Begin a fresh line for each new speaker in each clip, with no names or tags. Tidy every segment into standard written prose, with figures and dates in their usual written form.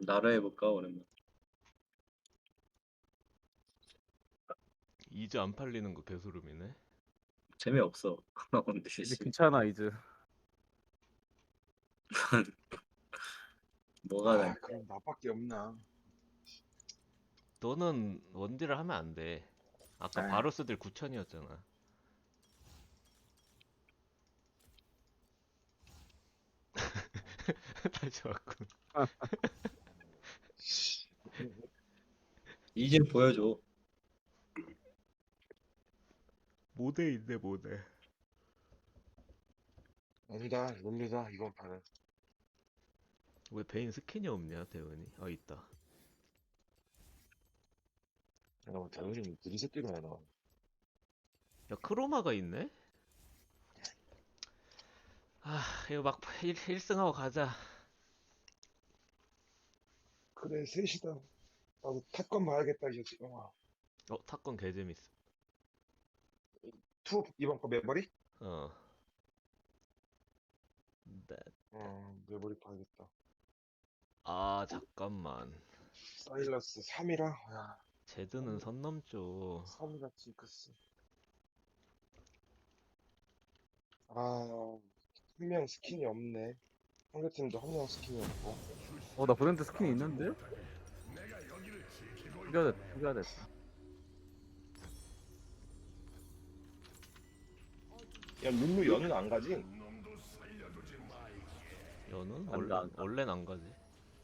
나라 해볼까 오랜만.
이즈 안 팔리는 거 개소름이네.
재미없어. 근데
이제
씨
귀찮아 이제.
뭐가 난
아, 그럼 나밖에 없나?
너는 원딜을 하면 안 돼. 아까
에이.
바로스들 9천이었잖아. 다시 왔군.
이제 보여줘.
모대 있네 모대.
아니다, 룰루다, 이번 판은.
왜 베인 스킨이 없냐 대원이? 아 있다.
내가 뭐 대우님 느리 새끼로 해놔.
야 크로마가 있네? 아 이거 막 1승하고 가자.
그래, 셋이다. 나도 탑건 봐야겠다, 이제 지금.
탑건 개재밌어.
투, 이번 거 메모리?
어. 네.
메모리 봐야겠다.
아 잠깐만.
사일러스 3이라? 야,
제드는 선 넘죠.
3이라 징크스. 아, 한 명 스킨이 없네. 상대팀도 한 명 스킨이 없고.
나 브랜드 스킨이 있는데? 죽여야 돼.
야, 룰루 연은 안 가지?
연은
안 가, 안 가.
원래는 안 가지.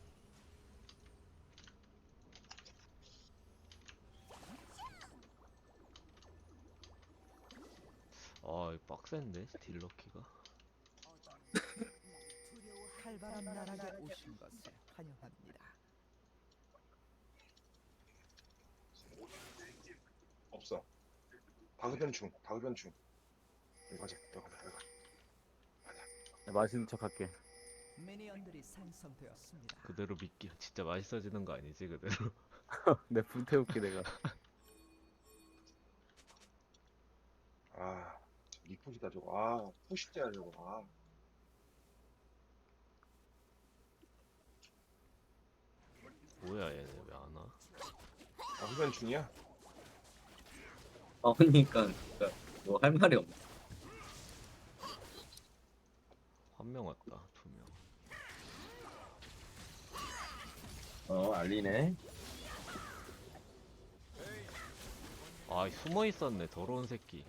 아 이거 빡센데 딜러키가.
칼바람 나락에 오신 것을 환영합니다.
없어. 다급변충, 다급변충. 여기 가자, 여기 가자, 여기 가자.
맛있는 척 할게.
미니언들이 생성되었습니다.
그대로 믿기 진짜 맛있어지는 거 아니지 그대로.
내 불태울게 내가.
아, 리포지다 저거. 아, 포식자야 저거. 아,
뭐야 얘네 왜 안 와?
다급변충이야?
나오니까 뭐 할 말이 없네.
한 명 왔다 2명.
알리네.
아 숨어 있었네 더러운 새끼.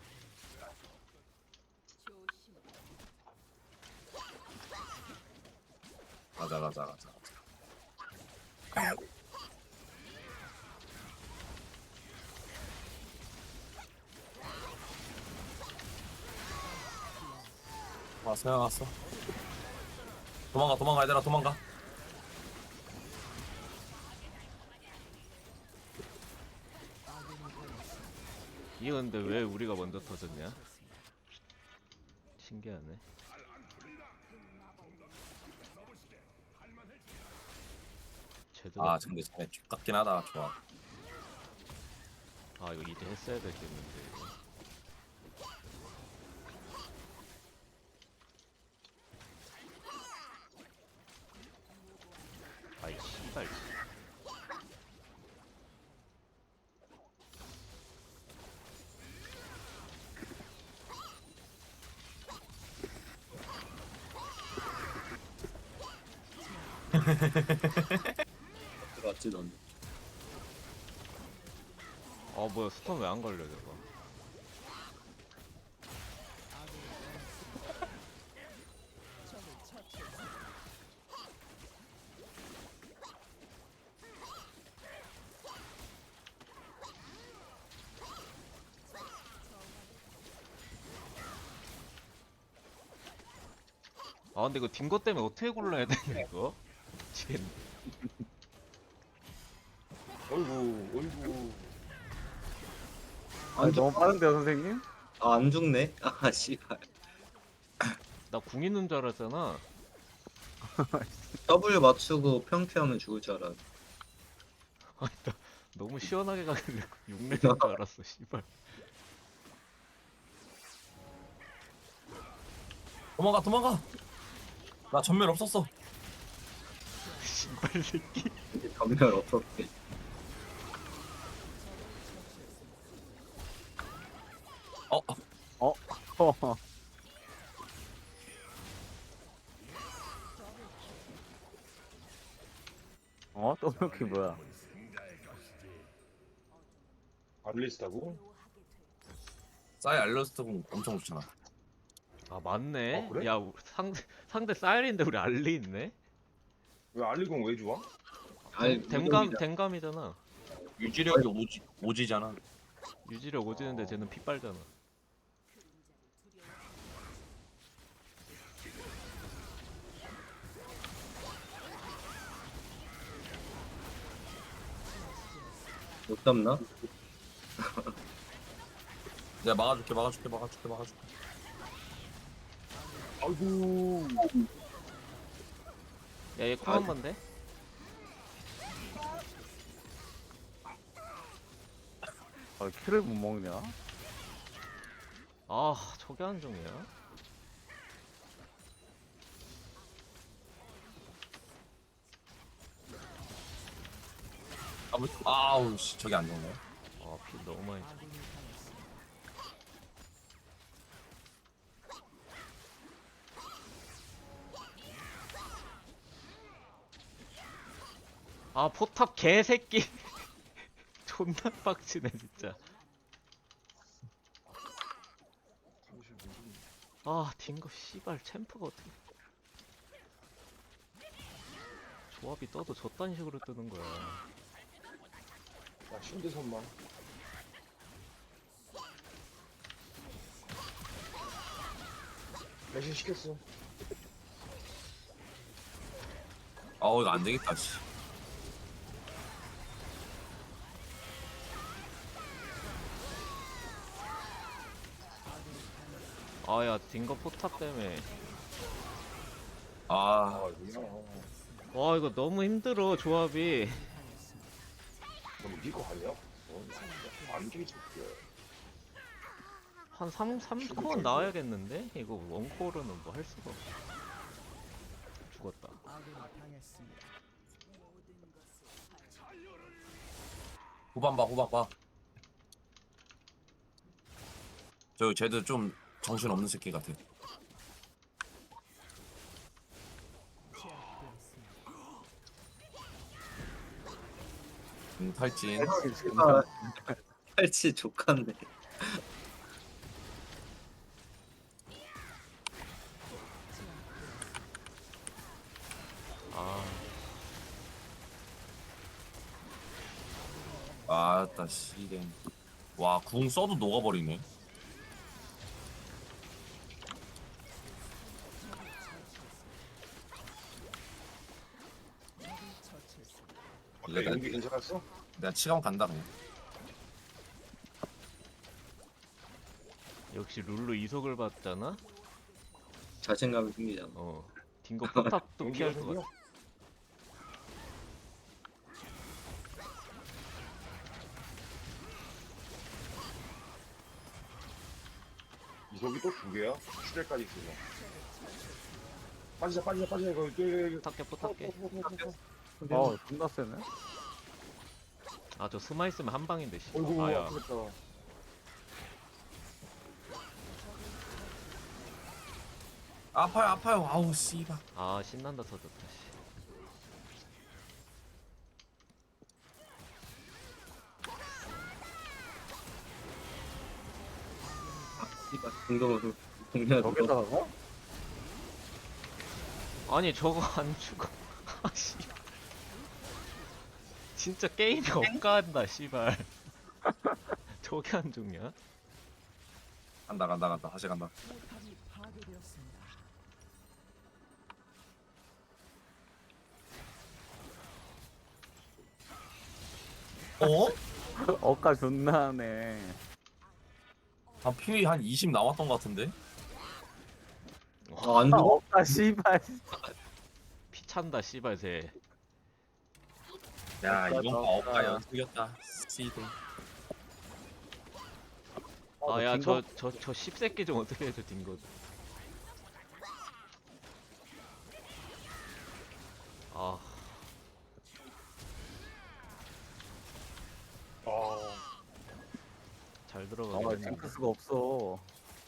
가자. 왔어. 도망가, 얘들아, 도망가.
이거 근데 왜 우리가 먼저 터졌냐? 신기하네. 제대로.
근데 쟤네 쥐같긴 하다. 좋아.
아 이거 이제 했어야 됐겠는데 이거. 아이 씨발.
들어왔지 넌.
아 뭐야 스턴 왜 안 걸려 저거. 아 근데 이거 딩거 때문에 어떻게 골라야 되냐 이거? 미치겠네.
어이구.
아니 너무 빠른데요 선생님?
안 죽네. 아 씨발.
나 궁 있는 줄 알았잖아.
W 맞추고 평태하면 죽을 줄 알았.
너무 시원하게 가길래 욕내는 줄 알았어 씨발.
도망가. 나 전멸 없었어.
신발 새끼.
이제 전멸 없었대.
허허. 또 이렇게 뭐야?
알리스타고?
싸이 알러스트 공 엄청 좋잖아.
아 맞네.
어, 그래?
야 상대 사이렌인데 우리 알리 있네.
왜 알리공 왜 좋아?
아니,
댕감이잖아.
유지력이 오지잖아.
유지력 오지는데 쟤는 피 빨잖아.
못 잡나?
내가 막아줄게.
아이고.
야얘 콩 한 번 돼?
키를 못 먹냐?
아 저게 한정이야?
아우 씨 저기 안 좋네.
아 피 너무 많이 차.
아군이 당했습니다.
아 포탑 개새끼. 존나 빡치네 진짜. 아 딩거 씨발 챔프가 어떻게 조합이 떠도 저딴 식으로 뜨는 거야.
야 신대 선만. 대신 시켰어.
아우 이거 안 되겠다 씨.
아야 딩거 포탑 때문에.
아
아 뭐야.
와 이거 너무 힘들어 조합이.
너 이거 아니야? 안 되지.
한 3코어 나와야겠는데? 이거 원코어로는 뭐 할 수가 없어. 죽었다.
아군이 당했습니다.
후반 봐. 저 쟤도 좀 정신 없는 새끼 같아.
제압되었습니다.
탈진.
씨발. 팔찌 족한데.
아
아따 씨랭. 와 궁 써도 녹아버리네.
처치했습니다.
이거
어때 연기 괜찮았어?
내가 치감 간다 그냥.
역시 룰루 이속을 받잖아?
자신감이 생기잖아.
어 딩거 포탑도 피할 것 같아.
이석이 또 두 개야? 추대까지 있어. 빠지자 이거
포탑게.
존나 세네.
아 저 스마 있으면 한 방인데 씨.
어이구
아야
아프겠다.
아파요. 아우 씨발.
아 신난다 터졌다 씨.
씨발. 공동으로 공략.
저기다가?
아니 저거 안 죽어. 아씨. 진짜 게임이 억까한다 씨발. 저게 안 죽냐?
간다. 다시 간다.
포탑이 파괴되었습니다.
어?
억까 존나 하네.
한 피 한 20 남았던 것 같은데?
안 죽어?
억까 씨발.
피 찬다 씨발 쟤.
야 이번 거
없다.
없다 연습이었다. 씨들.
아야
딩거?
저 씹새끼 좀 어떻게 해줘 딩거. 아 했는데.
징크스가 없어.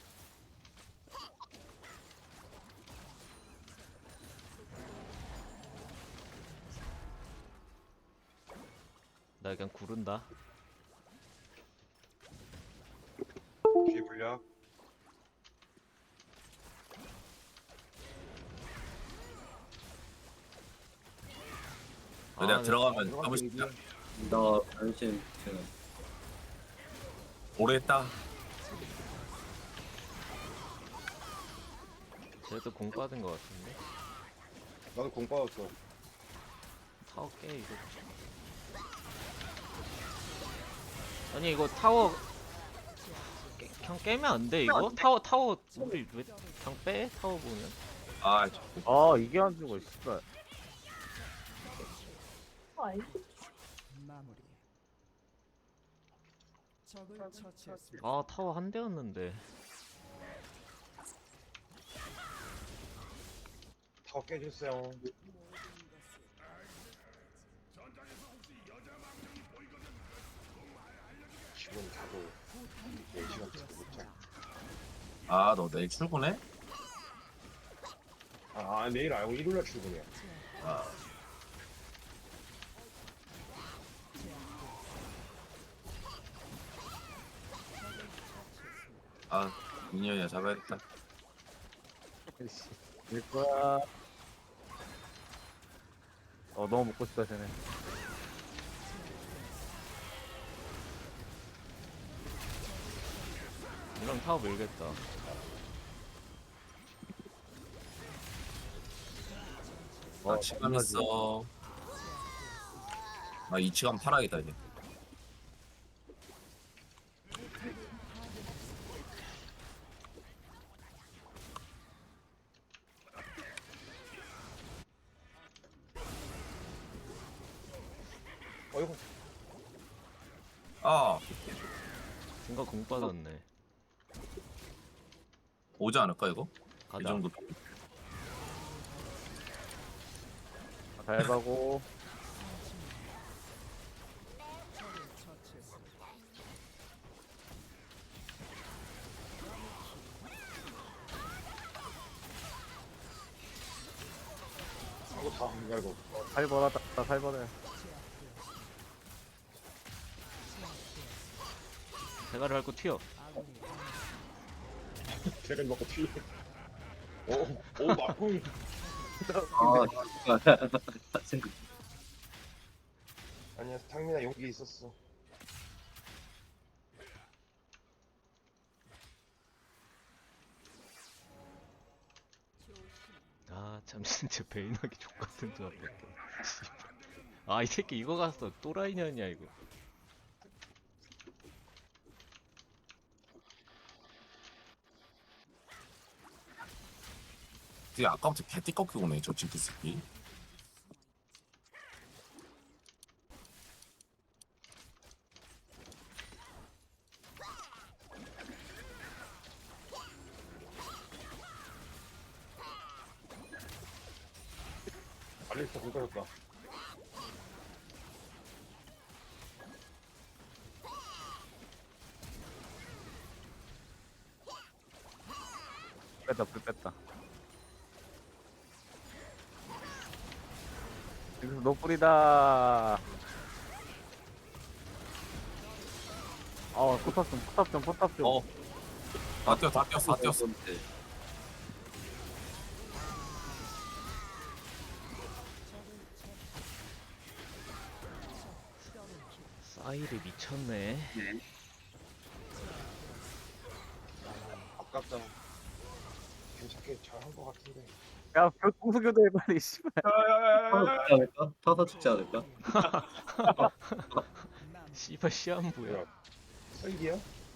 나 그냥 구른다.
뒤에 불려.
내가
네.
들어가면 하고 싶다.
나 변신 지금
오래 했다.
쟤도 공 빠진 것 같은데.
나도 공 빠졌어.
타워 깨 이거. 아니 이거 타워 그냥 깨면 안 돼 이거? 타워 우리 왜 그냥 빼? 타워 보면.
아,
아 이게 안 죽어 씨발.
마무리. 적을 처치했습니다.
아 타워 한 대였는데.
타워 깨졌어요. 지금 자도 4시간 자도 못해.
아, 너 내일 출근해?
내일 알고 일요일날 출근이야.
아, 아, 미니언이야 잡아야겠다.
될 거야. 너무 먹고 싶다 쟤네.
이러면 타워 밀겠다.
나 치감 있어. 나 이 치감 팔아야겠다 이제.
어이구.
아,
중간 공 빠졌네.
오지 않을까 이거? 이
가자.
정도.
잘 가고.
적을 처치했습니다.
하고 다안 갈고.
살벌하다 살벌해.
대가리 밟고 튀어.
아군이
제가 먹고 튀. 오, 막공.
아 생각
아니야, 상민아 용기 있었어.
아 참 진짜 베인하기 족같은 조합 같아. 아이 새끼 이거 갔어. 또라이년이야 이거.
되게 아까부터 개띠 꺾이고 오네 저 징크 새끼.
알리스타 공 빠졌다.
불 뺐다. 여기서 노플이다. 포탑 좀.
어, 다 뛰었어, 다 뛰었어.
사이를 미쳤네.
아깝다. 괜찮게 잘 한 것 같은데.
야, 공수교대 빨리 씨발.
타서 죽지 않을까?
씨발 시한부야.
뭐야? 설기야?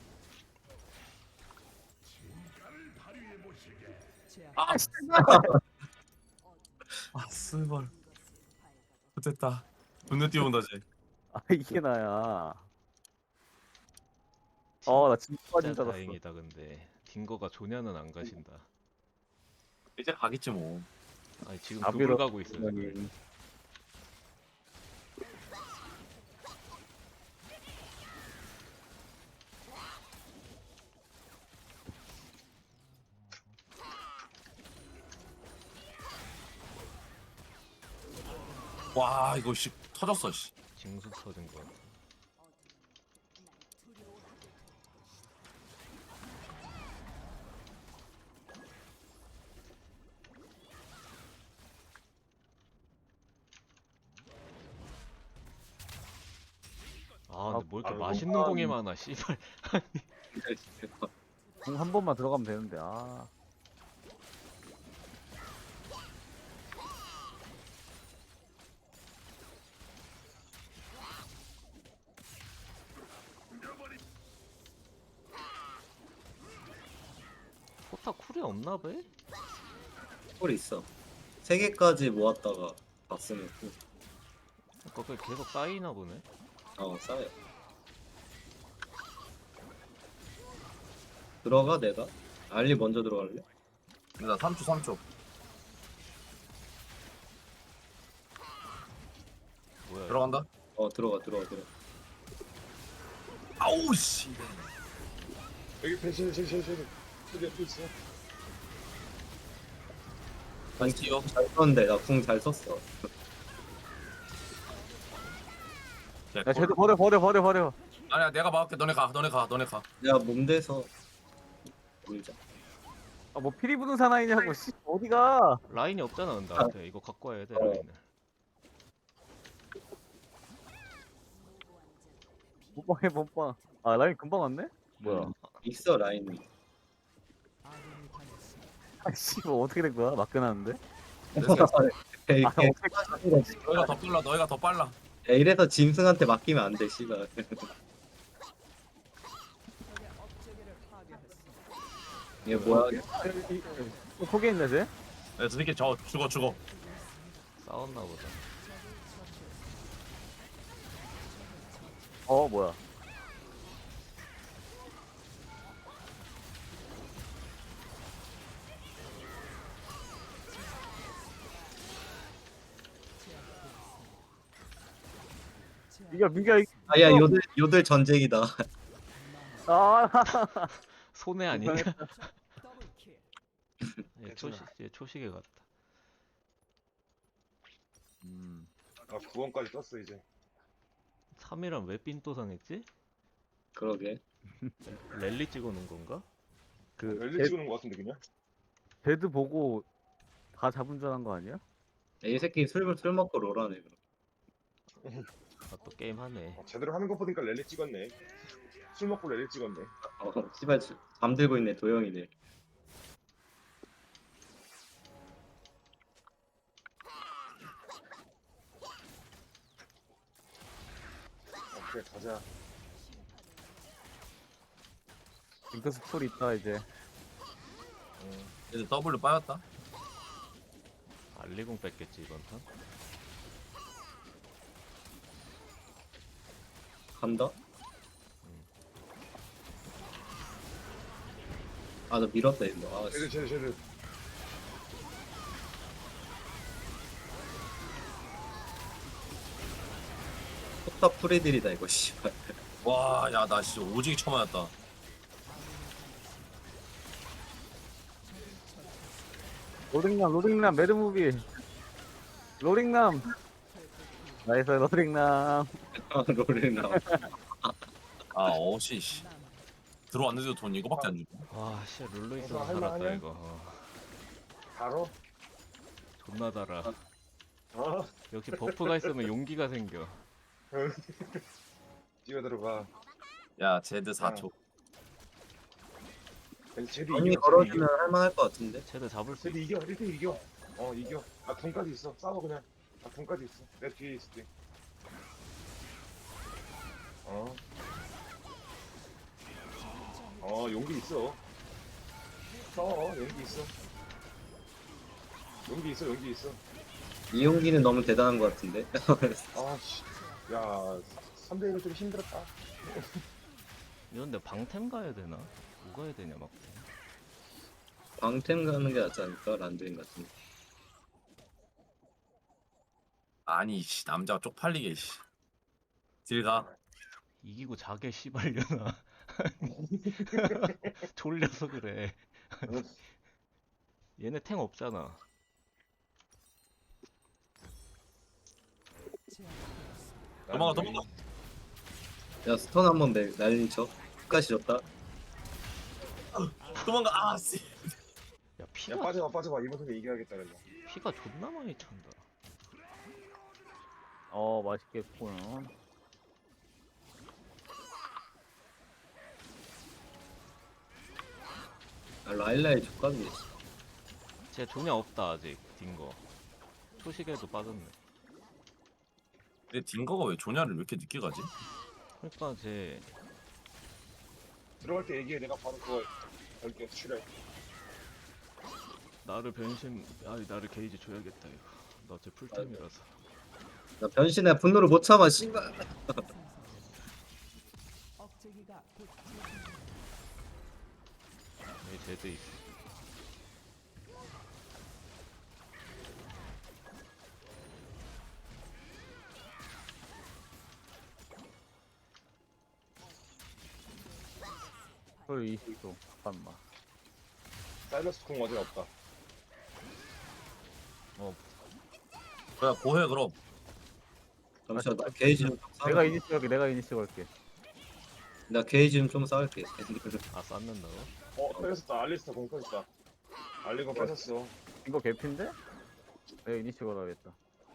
아, 아, 스벌. 됐다. 눈에 띄운다 쟤.
아 이게 나야. 나 진짜 빠진
진짜
줄 알았어.
다행이다 근데. 딩거가 조냐는 안 가신다.
이제 가겠지 뭐.
아니 지금
나비로
두불 가고 있어. 지금.
아니,
와 이거 씨 터졌어 씨.
징수 터진 거 같아. 아 근데 뭐 이렇게
아,
맛있는 공이 많아 씨발.
공 한 번만 들어가면 되는데 아.
포타 쿨이 없나 봐?
홀 있어. 3개까지 모았다가 봤으면 또,
그러니까 그게 계속 쌓이나 보네.
쌓여. 들어가 내가? 알리 먼저 들어갈래?
나 3초.
뭐야?
들어간다.
들어가.
아우 씨.
여기 펜션 여기 앞에 있어.
아니
뛰어.
잘 썼는데 나 궁 잘 썼어.
야 쟤도 버려.
아니야 내가 막을게. 너네 가.
내가 몸대서 밀자.
아 뭐 피리 부는 사나이냐고 씨 어디가?
라인이 없잖아 근데 나한테 이거 갖고 와야 돼
어.
라인을.
못 봐. 아 라인 금방 왔네? 뭐야?
있어 라인이.
아군이 당했습니다.
아씨 뭐 어떻게 된 거야? 맡겨놨는데?
에이,
아
너희가 더 빨라.
이래서 짐승한테 맡기면 안 돼, 씨발.
적의 업체계를 파괴했습니다.
이게 뭐야?
속에 있네 쟤?
야, 저 새끼 저 죽어.
싸웠나 보다.
뭐야? 민규야
아야 요들 전쟁이다.
아
손해 아니냐?
더블킬.
얘 초시계 같다.
아 9원까지 떴어 이제.
3이랑 왜 삔또상했지?
그러게.
랠리 찍어놓은 건가?
그
랠리 찍는 거 같은데 그냥.
배드 보고 다 잡은 줄 한 거 아니야?
이 새끼 술 먹고 롤하네.
아 또 게임 하네.
제대로 하는 거 보니까 랠리 찍었네. 술 먹고 랠리 찍었네.
씨발 잠들고 있네 도영이네.
오케이 가자.
잉크스 풀 있다 이제.
이제 W 빠졌다.
알리공 뺐겠지 이번 턴?
간다. 아 너 밀었다 이거. 아 씨.
쟤들.
포탑 프리딜이다 이거 씨발.
와, 야, 나 진짜 오지게 쳐맞았다.
로딩남 매드무비. 로딩남. 나이스 로딩남.
롤을 나와.
아, 어씨, 씨. 들어왔는데도 돈 이거밖에 안 주고.
와 씨 룰루 있어서
할
살았다
만하냐?
이거.
바로.
존나 달아.
어.
역시 버프가 있으면 용기가 생겨.
뛰어 들어가.
야, 제드 4초.
쟤도
언니
이겨.
걸어주면 할만할 것 같은데.
쟤도 잡을 수
쟤도
있어.
이겨. 1등 이겨. 이겨. 나 군까지 있어. 싸워 그냥. 나 군까지 있어. 내 뒤에 있을게. 용기 있어. 용기 있어.
이용기는 너무 대단한 것 같은데.
씨. 야, 3대1은 좀 힘들었다.
이런데 방템 가야 되나? 뭐 가야 되냐 막.
방템 가는 게 낫지 않을까? 란드인 같은데.
아니, 씨, 남자가 쪽팔리게, 씨. 딜 가.
이기고 자게 씨발려나. 졸려서 그래. 얘네 탱 없잖아.
제압되었습니다.
도망가 도망가.
야 스턴 한번 날리죠. 끝까지 줬다.
도망가. 아 씨.
야
야
피가
빠져봐 이번 턴에 이겨야겠다 그래서.
피가 존나 많이 찬다.
맛있겠구나.
아, 라일라의 족각이
쟤 조냐 없다 아직 딩거. 초식에도 빠졌네.
근데 딩거가 왜 조냐를 왜 이렇게 늦게 가지?
그러니까 쟤
들어갈 때 얘기해 내가 바로 그거 걸게 출혈.
나를 나를 게이지 줘야겠다 이거. 나 쟤 풀템이라서.
나 변신해 분노를 못 참아 씨발.
억제기가 곧
여기 제드 있어.
헐 20도. 잠깐만.
사일러스 콩 어제 없다.
그래 고해 그럼.
잠시만 나 게이지 좀
내가
쌓을게.
이니시 갈게. 내가 이니시 갈게.
나 게이지 좀 쌓을게.
아 쌓는다고?
뺏었다. 알리스타 공 뺏었다. 알리고 뺏었어.
이거 개핀데? 내가 이니시 걸어야겠다.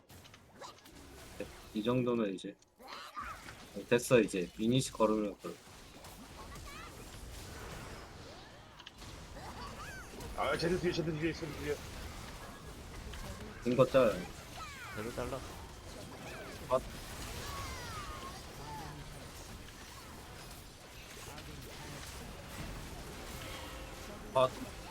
이 정도면 이제 됐어 이제 이니시 걸으면 걸어.
아 쟤들 뒤에 쟤들 뒤에.
인거 짤.
제드 잘랐어.
아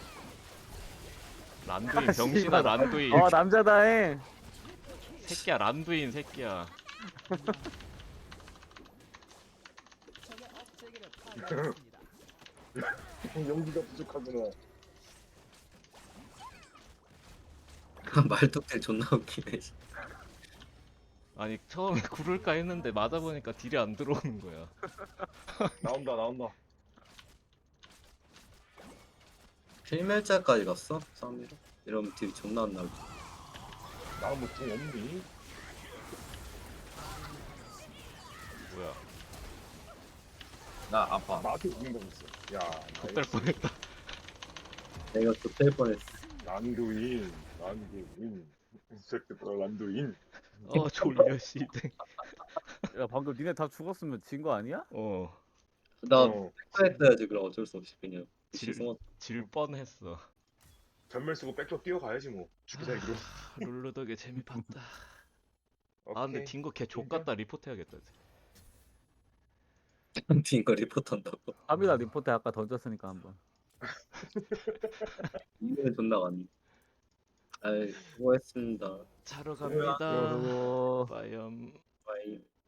란두인 병신아
씨발.
란두인.
남자다잉.
새끼야 란두인 새끼야.
적의 억제기를 파괴했습니다.
용기가 부족하구나.
말뚝들 존나 웃기네.
아니 처음에 구를까 했는데 맞아보니까 딜이 안 들어오는 거야.
나온다.
필멸자까지 갔어? 싸움이로? 이러면 딜 존나 안 나오지.
나무 공 없니?
뭐야?
나 아파.
나한테 죽는다고 했어. 야
좆될 뻔했다.
내가 좆될 뻔했어.
란두인. 이 새끼들아 란두인.
졸려 씨댕.
야 방금 니네 다 죽었으면 진 거 아니야?
나
어,
했어야지 그럼 어쩔 수 없이 그냥.
질-
숨어.
질 뻔했어.
전멸 쓰고 백도 뛰어가야지 뭐. 죽기 살기로.
룰루 덕에 재미 봤다. 아 근데
오케이.
딩거 걔 족같다 리포트 해야겠다.
딩거 리포트 한다고.
3이라 리포트 아까 던졌으니까 한번.
이거는 존나 많네. 아이 수고했습니다.
자러 갑니다.
그리고
빠염.
바이.